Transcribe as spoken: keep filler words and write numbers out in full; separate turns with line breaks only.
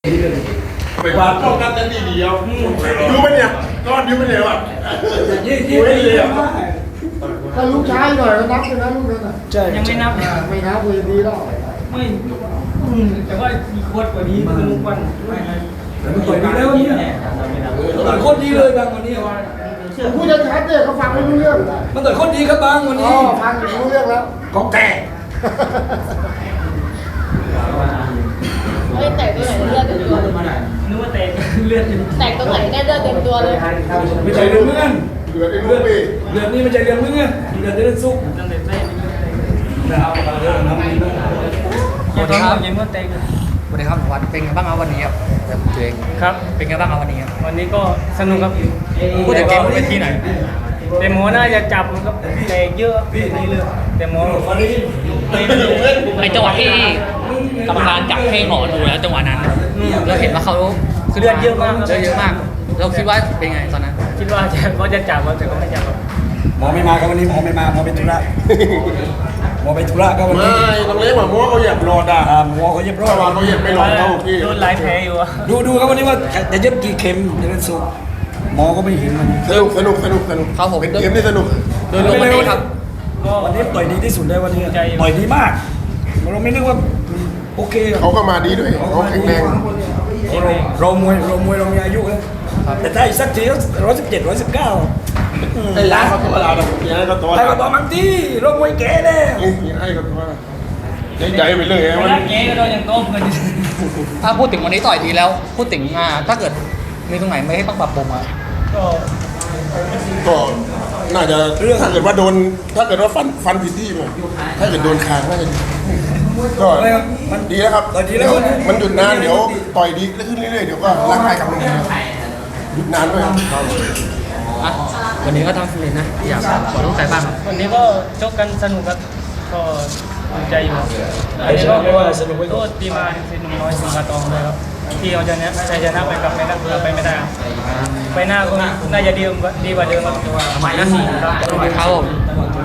ไปวาดป้องกันกันดีเดียวดูมันเนี่ยก้อนดูมันเนี่ยวะยี่ยี่เลยอ่ะ
ถ้าลูกชายหน่อยก็นับเลยนะลูกนั้นอ่ะ
ยังไม่นับ
ไม่นับเลยดีแล้ว
ไม่แต่ว่ามีโคตรกว่านี้คือลุงวัน
มันต่อยดีแล้วเนี่ยต่อยโคตรดีเลยบางวันนี้
พูดชัดๆเนี่ยเขาฟังไม่รู้เรื่อง
มันต่อยโคตรดีครับบางวันนี้
อ๋อฟังไม่รู้เรื่องแล้ว
ของแก
เฮ้ยแตกตรงไหนเลือดเต็มตัวเลย
นึกว่าแตกเลือด
แตกตรงไหนเนี่ยเลือดเต็มตัวเลย
ไม่ใช่เรื่องเงื่อน
เหลือไอ้ลูกพี่
เรื่องนี้ไม่ใช่เรื่องเงื่อนเรื่องเรื่องซุก
ตั้งแต่แรกนี่ก็แตก
แต่เอาเรื่องน้ำมัน
สวัสดีครับยังก็แตก
สวัสดีครับวันเป็นไงบ้างครับวันนี้ครับแบบตัวเอง
ครับ
เป็นไงบ้างครับวันนี้ครับ
วันนี้ก็สนุกครับ
พูดถึงเกมบนเวทีหน่อย
แต่หมอน่าจะจับมันก็แตกเยอะนี่เลยแต่หมอ
ไอจังหวะที่กรรมการจับให้หมอดูแล้วจังหวะนั้นเราเห็นว่าเขาคือ
เลือดเยอะมาก
เลือดเยอะมาก เราคิดว่าเป็นไงตอนนั้น
คิดว่าจะเขาจะจับแต่ก็ไม่จับครับ
หมอไม่มาครับวันนี้หมอไม่มาหมอเป็นธุระหมอเป็นธุระก็วัน
ไม่
นี้
ต้องเลี้ยงหมาม้วเขาเหยียบรอดอ่ะ
อ่าหมอเขาเย็บรอ
ระวัง
ด
เขาเหยียบไม่รอดเขาพี่
โดนหลายแผลอยู่อะ
ดูดูครับวันนี้ว่าจะเย็บกี่เข็มจะเป็นสุกหมอก็ไม่เห็นมัน
สนุกสนุกสนุกสนุก
ครับผม
เป็นเกมที่สนุก
โดยรวมวันนี้ครับ
ก็
วันนี้ต่อยดีที่สุดเลยวันนี้ต่อยดีมากเราไม่นึกว่าโอเค
เขาก็มาดีด้วยเขาแข็งแรง
เรามวยเรามวยเรามีอายุนะแต่ถ้าอีกสักทีร้อยสิบเจ็ดร้อยสิบเก้า
ไอ้ร้านเขาตัวเราเนี่ยยังไงก็ตัว
ให้ก็ต่อมังที่เรามวยแก่แน่
ยังให้ก็ตัวใจไปเลย
เว
มัน
ลาแกก็โดนอย่างก้มกัน
ถ้าพูดถึงวันนี้ต่อยดีแล้ว พูดถึงอ่าถ้าเกิดมีตรงไหนไม่ให้ต้องปรับปรุงอ่ะ
ก็
ก็น่าจะถ้าเกิดว่าโดนถ้าเกิดว่าฟันฟันผิดที่มันถ้าเกิดโดนคางน่าจะก็มันดีแล้วครับมันหยุดนานเดี๋ยวต่อยดีขึ้นเรื่อยๆเดี๋ยวก็ร่างกายกลับมาดีหยุดนานด้วยครับ
อ่ะวันนี้ก็ทำสำเร็จนะอยากขอต้องใจบ้างครับ
วันนี้ก็ชกกันสนุกครับก็ภูมิใจอยู่อันนี้ก็โทษที่มาสิหนุ่มน้อยสิงห์ทองเลยครับที่เอาชนะชัยชนะไปกับไม่ได้ไปไม่ได้ไปหน้าก็น่าจะดีกว่าดีกว่าเดิมครับ
ใหม่นะ
ครับ
ครับผม